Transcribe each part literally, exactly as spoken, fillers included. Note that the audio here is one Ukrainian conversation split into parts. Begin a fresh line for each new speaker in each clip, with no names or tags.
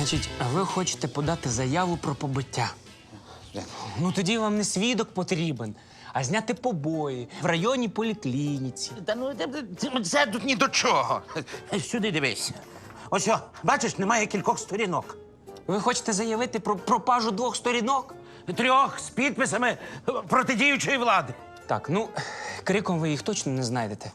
Значить, ви хочете подати заяву про побиття. Ну тоді вам не свідок потрібен, а зняти побої в районній поліклініці.
Та ну це тут ні до чого. Сюди дивись. Ось, о, бачиш, немає кількох сторінок.
Ви хочете заявити про пропажу двох сторінок?
Трьох з підписами протидіючої влади.
Так, ну, криком ви їх точно не знайдете.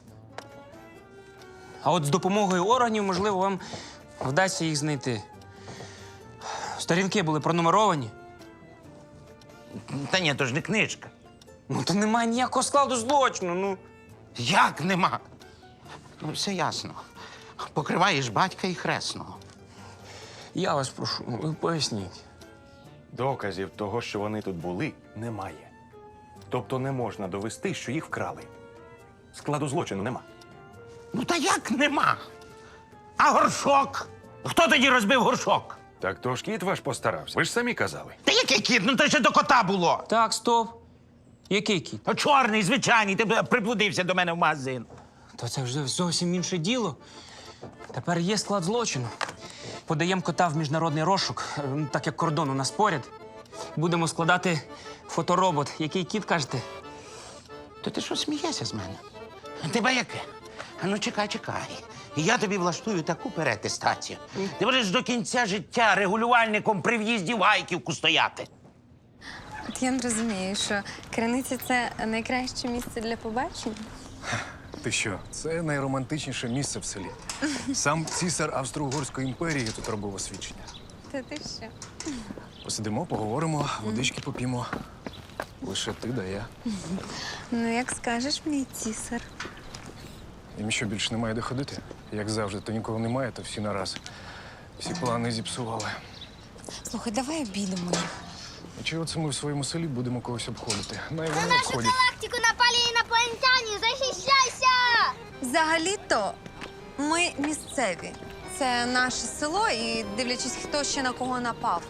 А от з допомогою органів, можливо, вам вдасться їх знайти. Сторінки були пронумеровані.
Та ні, то ж не книжка.
Ну, то немає ніякого складу злочину, ну.
Як нема? Ну, все ясно. Покриваєш батька і хресного.
Я вас прошу, ви поясніть.
Доказів того, що вони тут були, немає. Тобто не можна довести, що їх вкрали. Складу злочину нема.
Ну та як нема? А горшок? Хто тоді розбив горшок?
Так то ж кіт ваш постарався. Ви ж самі казали.
Та який кіт? Ну то ще до кота було.
Так, стоп. Який кіт?
А чорний, звичайний, ти приблудився до мене в магазин.
То це вже зовсім інше діло. Тепер є склад злочину. Подаємо кота в міжнародний розшук, е, так як кордон у нас поряд. Будемо складати фоторобот. Який кіт, кажете?
То ти що смієшся з мене? Тебе яке? А ну чекай, чекай. Я тобі влаштую таку переатестацію. Ти будеш до кінця життя регулювальником при в'їзді в Гайківку стояти.
От я не розумію, що Криниця – це найкраще місце для побачення?
Ти що? Це найромантичніше місце в селі. Сам цісар Австро-Угорської імперії тут робив освідчення.
Та ти що?
Посидимо, поговоримо, водички поп'ємо. Лише ти да я.
Ну, як скажеш, мій цісар.
Їм що, більше немає де ходити? Як завжди, то нікого немає, то всі нараз. Всі плани зіпсували.
Слухай, давай обійдемо їх.
І чого це ми в своєму селі будемо когось обходити? Най вони
Нашу
обходять.
галактику напали інопланетяни! Захищайся!
Взагалі-то ми місцеві. Це наше село і дивлячись, хто ще на кого напав.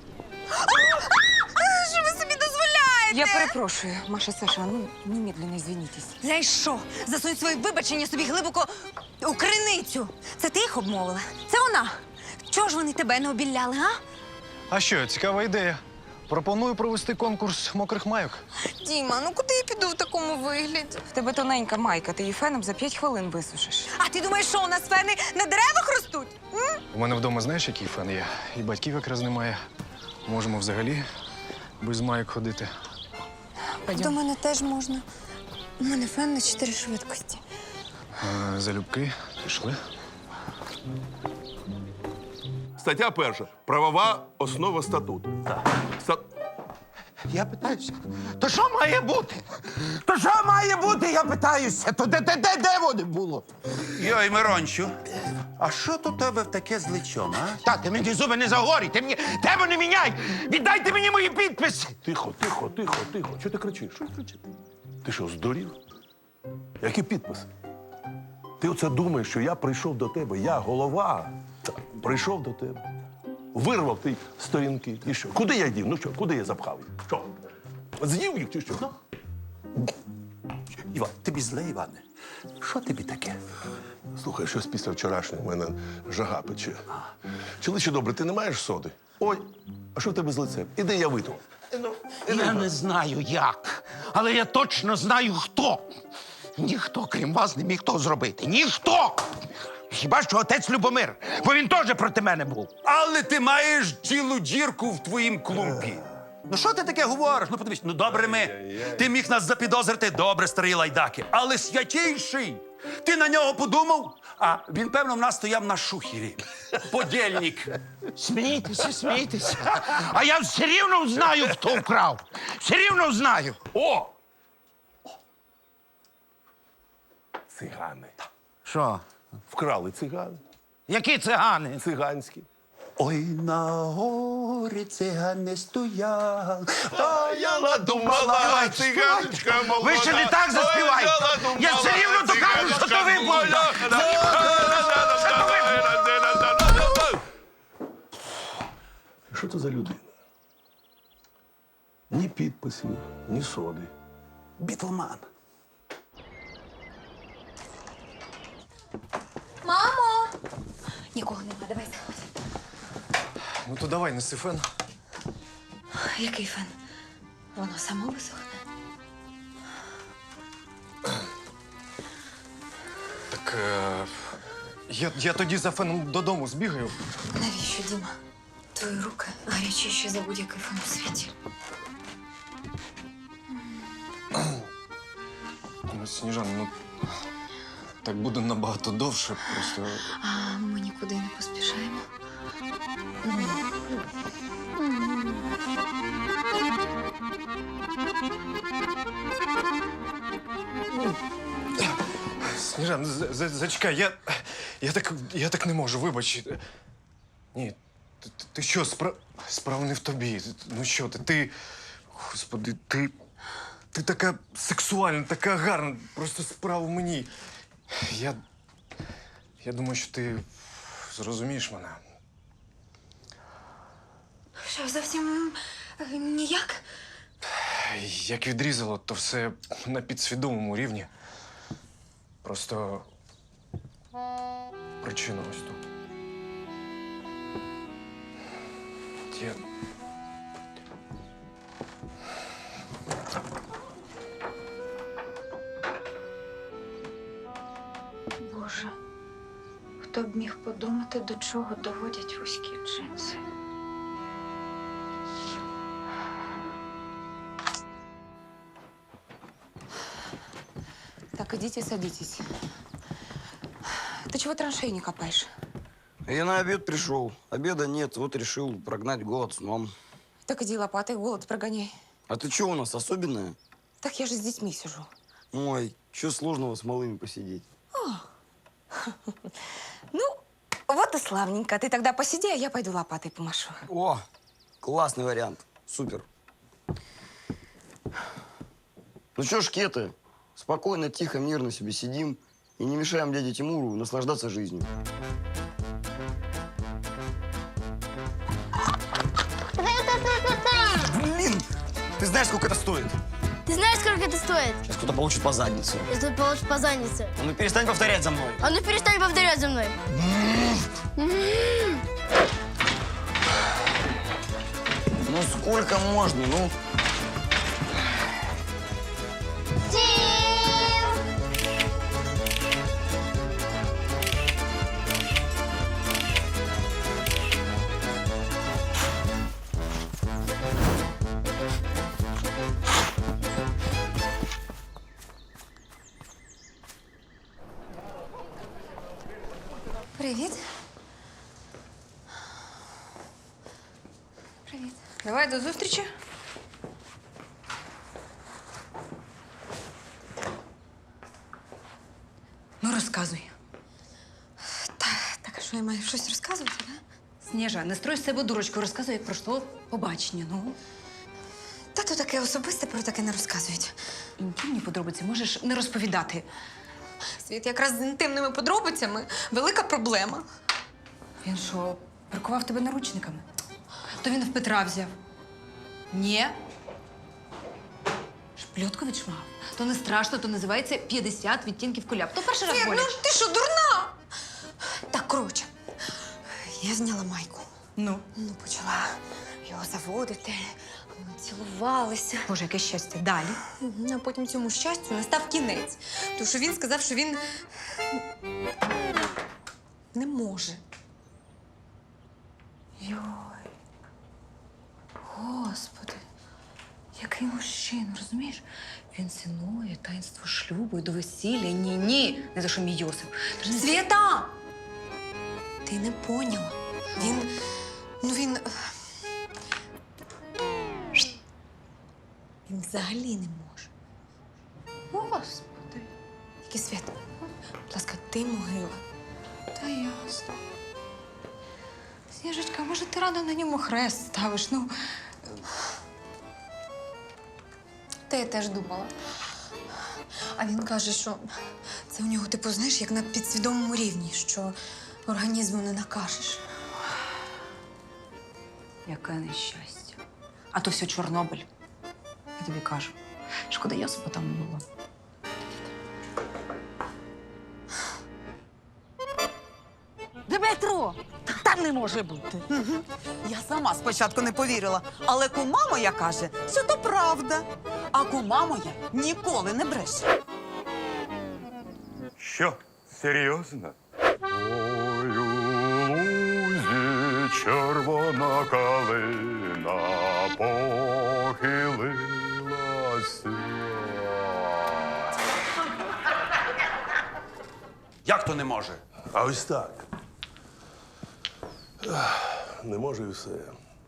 Що ви собі дозволяєте?
Я перепрошую, Маша, Саша, ну, немедленно извинитесь.
Знаєш що? Засунь свої вибачення собі глибоко у криницю. Це ти їх обмовила? Це вона. Чого ж вони тебе не обіляли, а?
А що, цікава ідея. Пропоную провести конкурс мокрих майок.
Діма, ну куди я піду в такому вигляді?
В тебе тоненька майка, ти її феном за п'ять хвилин висушиш.
А ти думаєш, що у нас фени на деревах ростуть? М?
У мене вдома знаєш, який фен є? І батьків якраз немає. Можемо взагалі без майок ходити.
До мене теж можна. У мене фен на чотири швидкості.
А, залюбки, пішли.
Стаття перша. Правова основа статуту. Ста...
Я питаюся, то що має бути? То що має бути, я питаюся? То де, де, де, де воно було?
Йой, Мирончу, а що тут у тебе в таке з личом, а?
Та, ти мені зуби не загорій, ти мені тему не міняй! Віддайте мені мої підписи!
Тихо, тихо, тихо, тихо. Чого ти кричиш? Що ти кричиш? Ти що, здурів? Які підписи? Ти оце думаєш, що я прийшов до тебе, я голова, прийшов до тебе, вирвав ти сторінки. І що? Куди я дів? Ну що, куди я запхав їх? Що? З'їв їх чи що?
Іван, тобі зле, Іване? Що тобі таке?
Слухай, щось після вчорашнього в мене жага пече. Чоловіче добре, ти не маєш соди? Ой, а що в тебе з лицем? Іди, я витру.
Я не знаю як, але я точно знаю хто. Ніхто, крім вас, не міг того зробити. Ніхто! Хіба що отець Любомир, бо він теж проти мене був.
Але ти маєш цілу дірку в твоїм клумпі. Ну що ти таке говориш? Ну подивись, ну добре ми. Ти міг нас запідозрити, добре, старий лайдаки. Але святійший, ти на нього подумав? А він, певно, в нас стояв на шухері. Подільник.
Смійтеся, смійтеся. А я все рівно знаю, хто вкрав. Все рівно знаю.
О! Цигани.
Що?
Вкрали цигани.
Які цигани?
Циганські.
Ой, на горі цигани стояли.
А я надумала, циганочка молода.
Ви ще не так заспіваєте. Я все рівно докажу, що то ви були.
Що це за людина? Ні підписів, ні соди.
Бітлман.
Мамо! Нікого нема, давай заходь.
Ну то давай, неси фен.
Який фен? Воно само висохне.
Так е, я, я тоді за феном додому збігаю.
Навіщо, Діма? Твої руки гарячіші за будь-який фен у світі.
Ну, Сніжан, ну так буде набагато довше. Просто
А ми нікуди не поспішаємо.
Сніжан, за- за- зачекай, я, я, так, я так не можу, вибач. Ні, ти, ти- ти що, спра... справа не в тобі. Ну що ти, ти. Господи, ти. Ти така сексуальна, така гарна. Просто справа в мені. Я. Я думаю, що ти зрозумієш мене.
Що, зовсім е, ніяк?
Як відрізало, то все на підсвідомому рівні. Просто причина ось тут. Я...
Боже, хто б міг подумати, до чого доводять вузькі джинси.
Так, идите, садитесь. Ты чего траншеи не копаешь?
Я на обед пришел. Обеда нет, вот решил прогнать голод сном.
Так иди лопатой голод прогоняй.
А ты что у нас, особенная?
Так я же с детьми сижу.
Ой, что сложного с малыми посидеть?
Ну, вот и славненько. Ты тогда посиди, а я пойду лопатой помашу.
О, классный вариант. Супер. Ну что ж, кеты, спокойно, тихо, мирно себе сидим и не мешаем дяде Тимуру наслаждаться жизнью. Блин, ты знаешь, сколько это стоит?
Ты знаешь, сколько это стоит?
Сейчас кто-то получит по заднице.
Если ты получишь по заднице.
А ну перестань повторять за мной.
А ну перестань повторять за мной.
Ну сколько можно, ну?
Привіт. Привіт. Давай до зустрічі. Ну, розказуй. Та, так, а що я маю щось розказувати, да?
Сніжа, не строй з себе дурочку, розказуй, як пройшло побачення, ну.
Та то таке особисте, про таке не розказують.
Інтимні подробиці можеш не розповідати.
Світ, якраз з інтимними подробицями велика проблема.
Він що, прикував тебе наручниками? То він в Петра взяв. Ні. Шпльотку відшмагав. То не страшно, то називається п'ятдесят відтінків куляп. То перший раз
Світ,
боляче.
ну ти що, дурна? Так, коротше, я зняла майку.
Ну?
Ну, почала його заводити, ми цілувалися.
Боже, яке щастя. Далі.
Мгм, А потім цьому щастю настав кінець. Тому що він сказав, що він не може.
Йой. Господи. Який мужчина, розумієш? Він цінує таїнство шлюбу і до весілля. Ні-ні. Не за що мій Йосип. Ти ж не
Свята! Ти не поняла. Він. Ну він. Він взагалі не може.
Господи.
Тільки Свята, будь ласка, ти могила.
Та ясно. Сніжечка, може, ти рано на ньому хрест ставиш? Ну,
Та я теж думала. А він каже, що це у нього, типу, знаєш, як на підсвідомому рівні, що організму не накажеш.
яке нещастя. А то все Чорнобиль. Я тобі кажу. Шкода, Йосипа там не було.
Дмитро!
Та
Та не може бути. Я сама спочатку не повірила, але кума моя каже, що то правда. А кума моя ніколи не бреше.
Що? Серйозно? Ой, у лузі червона калина похилилася.
Як то не може?
А ось так. Ах, не може і все.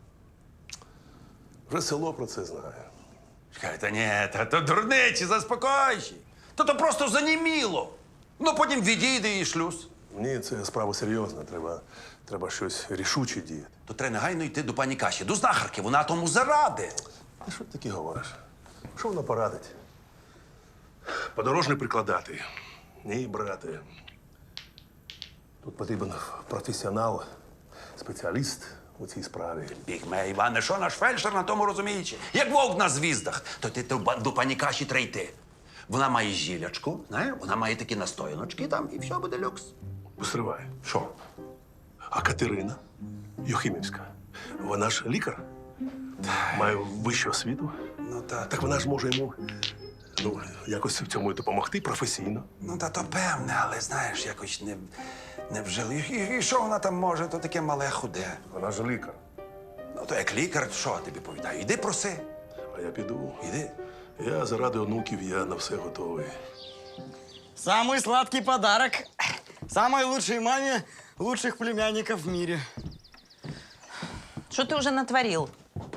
Вже село про це знає.
Чекай, та ні, та то дурниці, заспокойся. То то просто заніміло. Ну, потім відійде і шлюз.
Ні, це справа серйозна. Треба, треба щось рішуче діяти.
То треба негайно йти до пані Каші, до знахарки, вона тому заради.
Ти що таке говориш? Що вона порадить? Подорожне прикладати. Ні, брате. Тут потрібен професіонал, спеціаліст у цій справі.
Бігме, Іване, що наш фельдшер на тому розуміючи? Як вовк на звіздах, то ти до, ба- до пані Каші треба йти. Вона має зілячку, знаєш, вона має такі настояночки там, і все буде люкс.
Постривай.
Що?
А Катерина Юхимівська, вона ж лікар, має вищу освіту.
Ну, та,
Так вона ж може йому ну, якось в цьому допомогти професійно.
ну, та то певне, але знаєш, якось не, не вжили. І, і що вона там може, то таке мале худе.
Вона ж лікар.
Ну, то як лікар, що я тобі повідаю? Іди проси,
А я піду.
іди.
Я заради онуків, я на все готовий.
Самый сладкий подарок. Самой лучшей маме лучших племянников в мире.
Что ты уже натворил?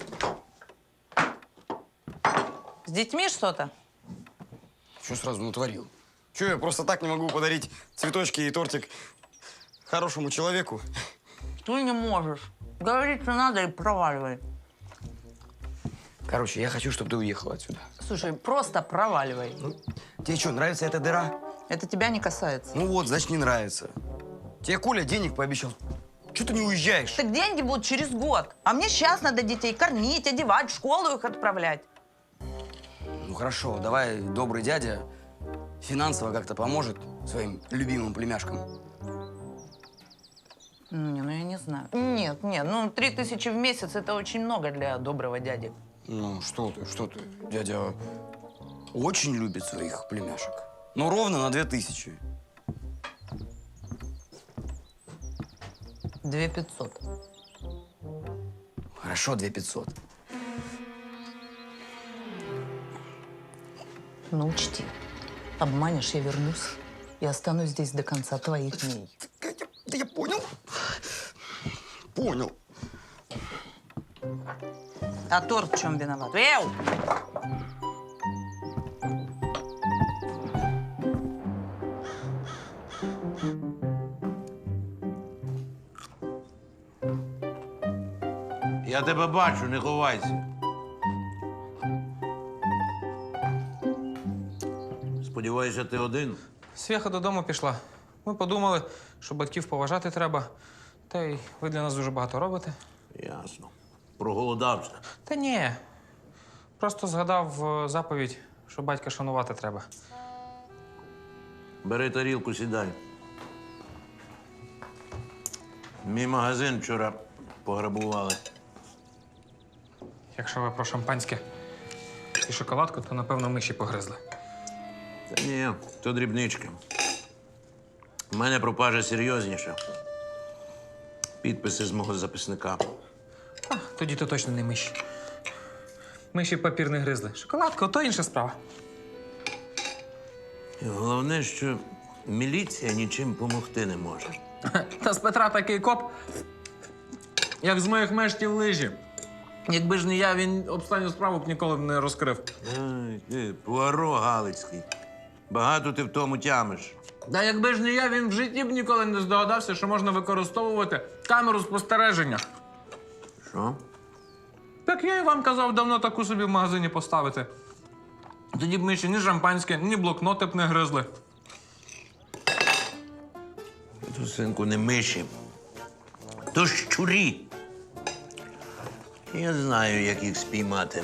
С детьми что-то?
Что сразу натворил? Че, я просто так не могу подарить цветочки и тортик хорошему человеку?
Ты не можешь. Говорить, что надо, и проваливай.
Короче, я хочу, чтобы ты уехала отсюда.
Слушай, просто проваливай.
Тебе что, нравится эта дыра?
Это тебя не касается.
Ну вот, значит, не нравится. Тебе Коля денег пообещал. Чего ты не уезжаешь?
Так деньги будут через год. А мне сейчас надо детей кормить, одевать, в школу их отправлять.
Ну хорошо, давай добрый дядя финансово как-то поможет своим любимым племяшкам.
Не, ну я не знаю. Нет, нет, ну три тысячи в месяц это очень много для доброго дяди.
Ну, что ты, что ты. Дядя очень любит своих племяшек. Ну, ровно на две тысячи.
Две пятьсот.
Хорошо, две пятьсот.
Ну, учти, обманешь, я вернусь и останусь здесь до конца твоих дней.
Да я понял. Понял.
А торт в чем виноват? Эу!
Я тебе бачу, не ховайся. Сподіваюся, ти один.
Свєха додому пішла. Ми подумали, що батьків поважати треба. Та й ви для нас дуже багато робите.
Ясно. Проголодався.
Та ні. Просто згадав е, заповідь, що батька шанувати треба.
Бери тарілку, сідай. Мій магазин вчора пограбували.
Якщо ви про шампанське і шоколадку, то, напевно, миші погризли.
Та ні, то дрібнички. У мене пропажа серйозніша. Підписи з мого записника.
А, тоді то точно не миші. Миші папір не гризли. Шоколадка, то інша справа.
І головне, що міліція нічим помогти не може.
Та з Петра такий коп, як з моїх мештів лижі. Якби ж не я, він останню справу б ніколи б не розкрив.
Ай, ти, Пуаро Галицький. Багато ти в тому тямиш.
Та якби ж не я, він в житті б ніколи не здогадався, що можна використовувати камеру спостереження.
Що?
Так я і вам казав давно таку собі в магазині поставити. Тоді б миші ні шампанське, ні блокноти б не гризли.
То, синку, не миші. То щурі. Я знаю, як їх спіймати.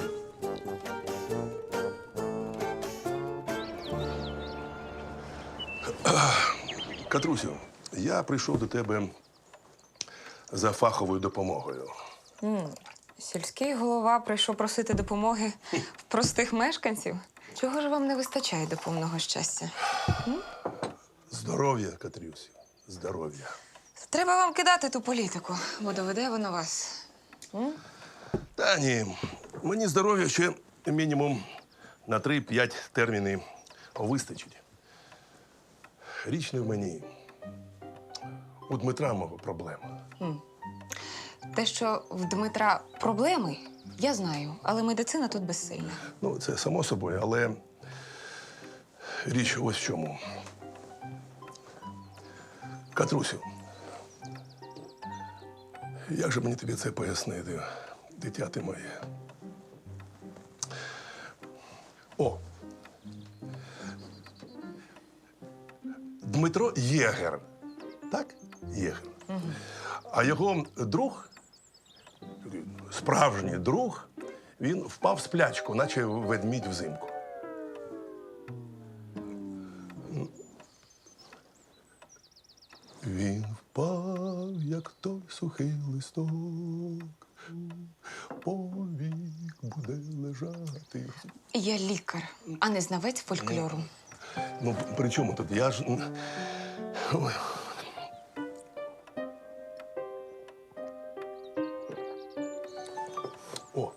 Катрусю, я прийшов до тебе за фаховою допомогою.
Сільський голова прийшов просити допомоги в простих мешканців. Чого ж вам не вистачає до повного щастя?
Здоров'я, Катрюсю, здоров'я.
Треба вам кидати ту політику, бо доведе воно вас.
Та ні, мені здоров'я ще мінімум на три-п'ять термінів вистачить. Річ не в мені. У Дмитра мого проблема.
Те, що в Дмитра проблеми, я знаю, але медицина тут безсильна.
Ну, це само собою, але річ ось в чому. Катрусю, як же мені тобі це пояснити, дитя ти моє? О! Дмитро Єгер. Так? Єгер. Угу. А його друг, справжній друг, він впав в сплячку, наче ведмідь взимку. Він впав, як той сухий листок, повік буде лежати.
Я лікар, а не знавець фольклору.
Ну, при чому тут? Я ж... Ой. О.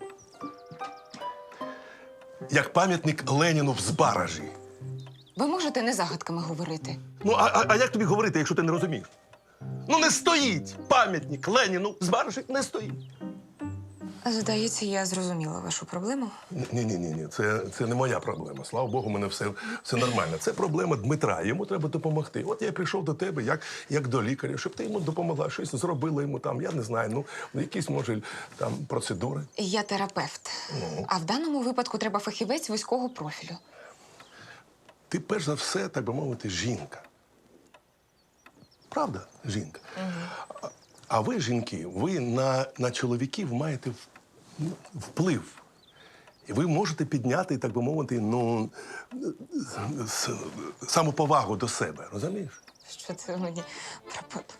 Як пам'ятник Леніну в Збаражі.
Ви можете не загадками говорити?
Ну, а, а, а як тобі говорити, якщо ти не розумієш? Ну, не стоїть пам'ятник Леніну в Збаражі, не стоїть.
Здається, я зрозуміла вашу проблему.
Ні-ні, ні, це, це не моя проблема. Слава Богу, у мене все, все нормально. Це проблема Дмитра, йому треба допомогти. От я прийшов до тебе як, як до лікаря, щоб ти йому допомогла, щось зробила йому там, я не знаю, ну, якісь, може, там процедури.
Я терапевт. Ну. А в даному випадку треба фахівець вузького профілю.
Ти, перш за все, так би мовити, жінка. Правда, жінка? Угу. А, а ви, жінки, ви на, на чоловіків маєте вплив. І ви можете підняти, так би мовити, ну, самоповагу до себе, розумієш?
Що це мені пропад?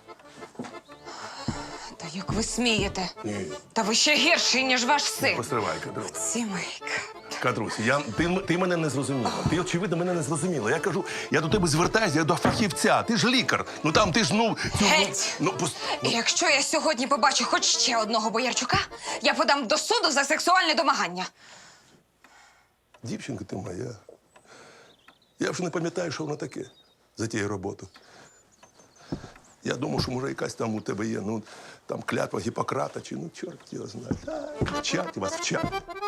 Та як ви смієте?
Ні.
Та ви ще гірший, ніж ваш син.
Постривай, Катрусь.
Сімейка.
Катрусь, я, ти, ти мене не зрозуміла. Ти, очевидно, мене не зрозуміла. Я кажу, я до тебе звертаюся, я до фахівця. Ти ж лікар. Ну там ти ж, ну... Цю,
Геть!
Ну, пос...
І якщо я сьогодні побачу хоч ще одного Боярчука, я подам до суду за сексуальне домагання.
Дівчинка ти моя. Я вже не пам'ятаю, що воно таке за тією роботою. Я думав, що, може, якась там у тебе є, ну, там клятва Гіппократа, чи, ну, чорт його знає. А, вчать вас, вчать.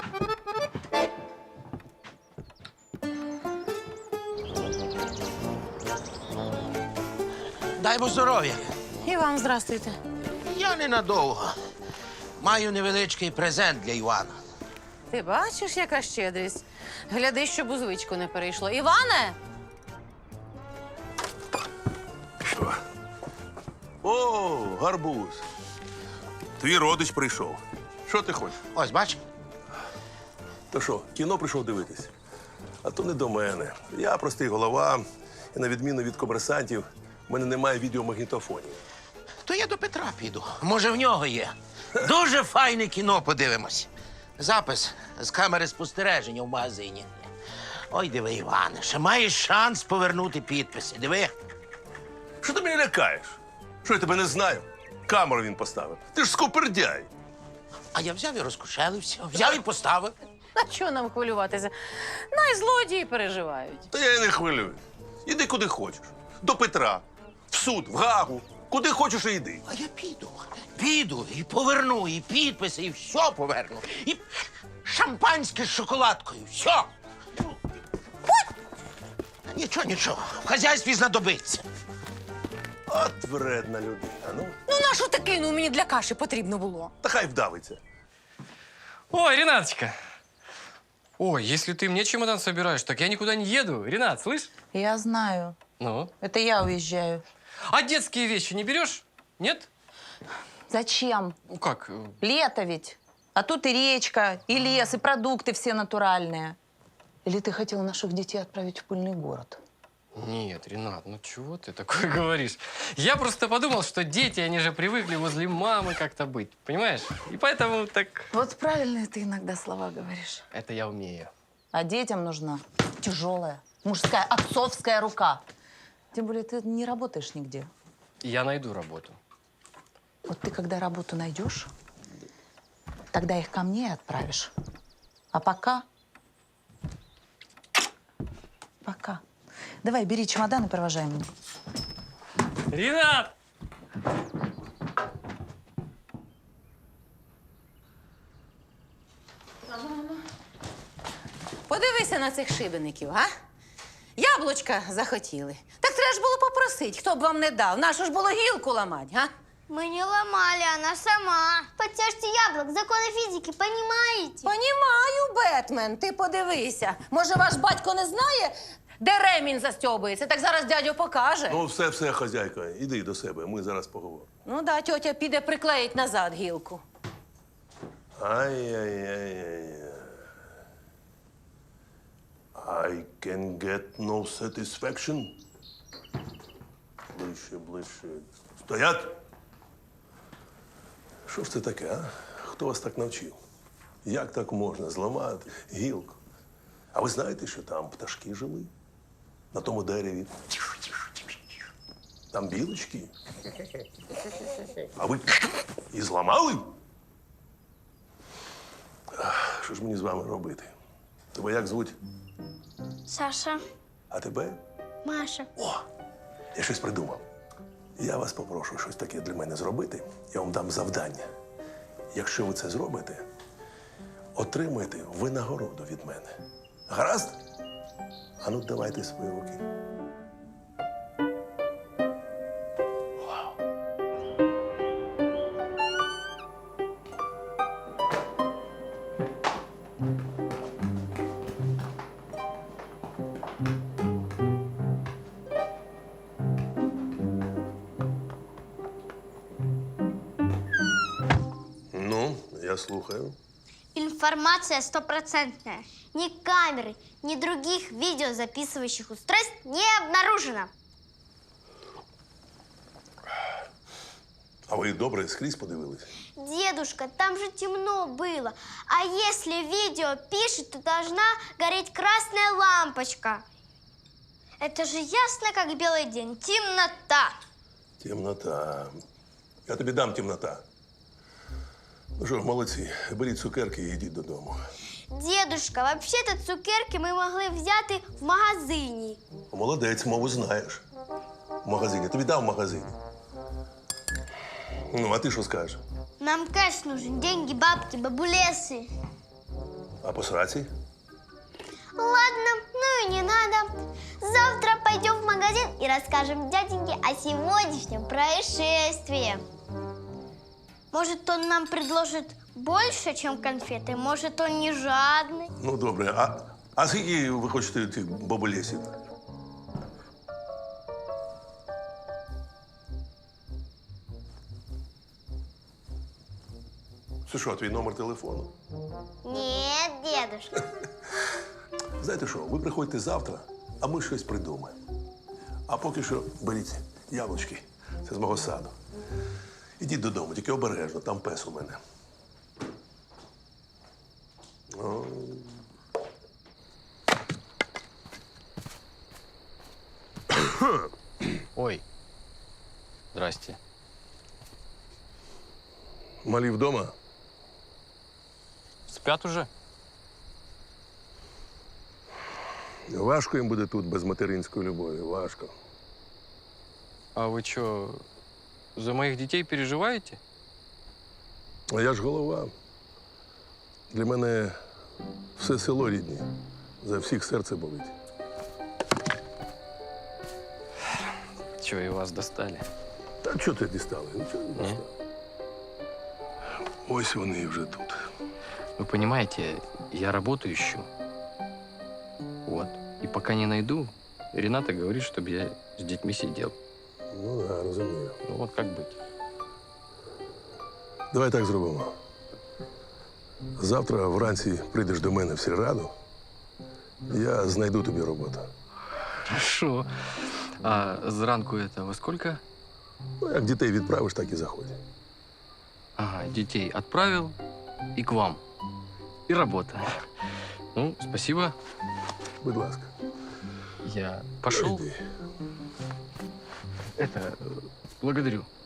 Дай Бог здоров'я.
І вам здрастуйте.
Я ненадовго. Маю невеличкий презент для Івана.
Ти бачиш, яка щедрість? Гляди, щоб у звичку не перейшло. Іване!
Що? О, гарбуз. Твій родич прийшов. Що ти хочеш?
Ось, бач?
То що, кіно прийшов дивитись? А то не до мене. Я простий голова, і на відміну від комерсантів, в мене немає відеомагнітофонів.
То я до Петра піду. Може, в нього є. Дуже файне кіно подивимось. Запис з камери спостереження в магазині. Ой, диви, Іване, ще маєш шанс повернути підписи. Диви.
Що ти мене лякаєш? Що я тебе не знаю? Камеру він поставив. Ти ж скупердяй.
А я взяв і розкошелився. Взяв і поставив.
На чого нам хвилюватися? Най злодії переживають.
Та я і не хвилююсь. Іди куди хочеш. До Петра, в суд, в Гагу. Куди хочеш і йди.
А я піду. Піду і поверну, і підписи, і все поверну. І шампанське з шоколадкою. Все. Нічого, нічого. В хазяйстві знадобиться.
От вредна людина. Ну,
Ну, нашу таки, ну мені для каші потрібно було.
та хай вдавиться.
Ой, Ренаточка. Ой, если ты мне чемодан собираешь, так я никуда не еду. Ренат, слышь?
Я знаю.
Ну?
Это я уезжаю.
А детские вещи не берешь? Нет?
Зачем?
Ну как?
Лето ведь. А тут и речка, и лес, и продукты все натуральные. Или ты хотел наших детей отправить в пыльный город?
Нет, Ренат, ну чего ты такое говоришь? Я просто подумал, что дети, они же привыкли возле мамы как-то быть, понимаешь? И поэтому так...
Вот правильные ты иногда слова говоришь.
Это я умею.
А детям нужна тяжелая, мужская, отцовская рука. Тем более ты не работаешь нигде.
Я найду работу.
Вот ты когда работу найдешь, тогда их ко мне и отправишь. А пока... Пока. Давай, бери чемодан и провожай меня.
Ренат!
Подивися на цих шибеників, а? Яблучка захотіли. Так треба ж було попросити, хто б вам не дав. Нашу ж було гілку ламати, а?
Мы не ломали, она сама. Подтяжьте яблок, законы физики, понимаете?
Понімаю, Бетмен, ти подивися. Може, ваш батько не знає, де ремінь застьобується? Так зараз дядю покаже.
Ну, все, все, хазяйка, іди до себе, ми зараз поговоримо.
Ну да, тьотя піде приклеїть назад гілку.
Ай-яй-яй-яй. I can get no satisfaction. Ближче, ближче. Стоять! Що ж це таке, а? Хто вас так навчив? Як так можна зламати гілку? А ви знаєте, що там пташки жили? На тому дереві. Там білочки. А ви і зламали? Ах, що ж мені з вами робити? Тебе як звуть?
Саша,
А тебе?
Маша.
О, я щось придумав. Я вас попрошу щось таке для мене зробити. Я вам дам завдання. Якщо ви це зробите, отримаєте винагороду від мене. Гаразд? А ну, давайте свої руки. Ну, я слухаю.
Информация стопроцентная. Ни камеры, ни других видеозаписывающих устройств не обнаружено.
А ви добре скрізь подивились?
Дедушка, там же темно было. А если видео пишет, то должна гореть красная лампочка. Это же ясно, как белый день. Темнота.
Темнота. Я тобі дам темнота. Ну що, молодці, беріть цукерки і йдіть додому.
Дедушка, вообще-то цукерки ми могли взяти в магазині.
Молодець, мову знаєш. В магазині. Тобі дав в магазині. Ну, а ти що скажеш?
Нам кэш нужен, деньги, бабки, бабулесы.
А по сраці?
Ладно, ну и не надо. Завтра пойдем в магазин и расскажем дяденьке о сегодняшнем происшествии. Может, он нам предложит больше, чем конфеты? Может, он не жадный?
Ну, добре. А, а скільки ви хочете тих бабулесів? Це що, твій номер телефону?
Нет, дедушка.
Знаєте що, ви приходьте завтра, а ми щось придумаємо. А поки що беріть яблучки. Це з мого саду. Ідіть додому, тільки обережно, там пес у мене. О.
Ой. Здрасте.
Малі вдома?
Спят уже?
Важко їм буде тут без материнської любові, важко.
А вы что, за моих детей переживаете?
А я ж голова. Для мене все село рідні. За всіх серце болить.
Чего, и вас достали?
Та чого ти дістали? Нічого не дістали. Ось вони вже тут.
Вы понимаете, я работу ищу. Вот. И пока не найду, Рената говорит, чтобы я с детьми сидел.
Ну, да, розумію.
Ну вот как быть?
Давай так зробимо. Завтра вранці прийдеш до мене в сільраду. Я знайду тобі роботу.
Хорошо. А зранку это во сколько?
Ну, як дітей відправиш, так і заходь.
Ага, детей отправил и к вам. И работа. Ну, спасибо.
Будь ласка.
Я пошел.
Іди.
Это, благодарю.